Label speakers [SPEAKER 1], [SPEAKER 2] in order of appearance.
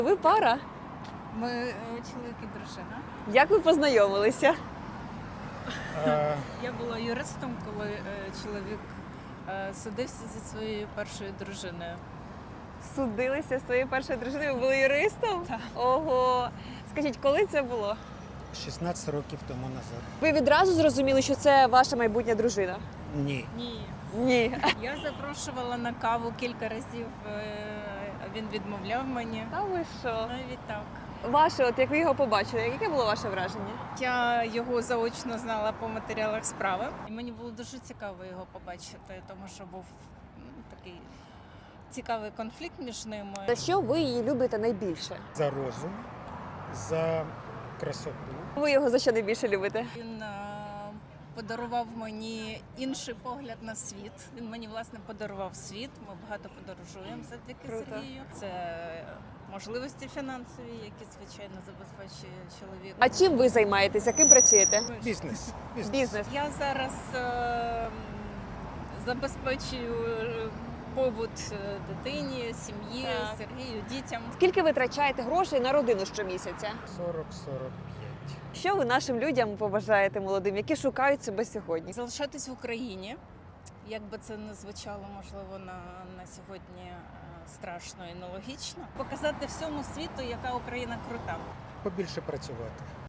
[SPEAKER 1] Ви пара?
[SPEAKER 2] Ми чоловік і дружина.
[SPEAKER 1] Як ви познайомилися?
[SPEAKER 2] Я була юристом, коли чоловік судився зі своєю першою дружиною.
[SPEAKER 1] Судилися з своєю першою дружиною, ви були юристом?
[SPEAKER 2] Так.
[SPEAKER 1] Ого. Скажіть, коли це було?
[SPEAKER 3] 16 років тому назад.
[SPEAKER 1] Ви відразу зрозуміли, що це ваша майбутня дружина?
[SPEAKER 3] Ні.
[SPEAKER 2] Ні.
[SPEAKER 1] Ні.
[SPEAKER 2] Я запрошувала на каву кілька разів, а він відмовляв мені.
[SPEAKER 1] Та ви що?
[SPEAKER 2] Навіть так.
[SPEAKER 1] Ваше, от як ви його побачили, яке було ваше враження?
[SPEAKER 2] Я його заочно знала по матеріалах справи. І мені було дуже цікаво його побачити, тому що був такий цікавий конфлікт між ними.
[SPEAKER 1] За що ви її любите найбільше?
[SPEAKER 3] За розум, за красоту.
[SPEAKER 1] Ви його за що найбільше любите?
[SPEAKER 2] Він подарував мені інший погляд на світ. Він мені, власне, подарував світ. Ми багато подорожуємо завдяки
[SPEAKER 1] Круто.
[SPEAKER 2] Сергію. Це можливості фінансові, які, звичайно, забезпечує чоловік.
[SPEAKER 1] А чим ви займаєтеся? Ким працюєте?
[SPEAKER 3] Бізнес.
[SPEAKER 1] Бізнес.
[SPEAKER 2] Я зараз забезпечую побут дитині, сім'ї,
[SPEAKER 1] Так.
[SPEAKER 2] Сергію, дітям.
[SPEAKER 1] Скільки ви витрачаєте грошей на родину щомісяця?
[SPEAKER 3] 40-45.
[SPEAKER 1] Що ви нашим людям побажаєте молодим, які шукають себе сьогодні?
[SPEAKER 2] Залишатись в Україні, як би це не звучало, можливо, на сьогодні страшно і нелогічно. Показати всьому світу, яка Україна крута.
[SPEAKER 3] Побільше працювати.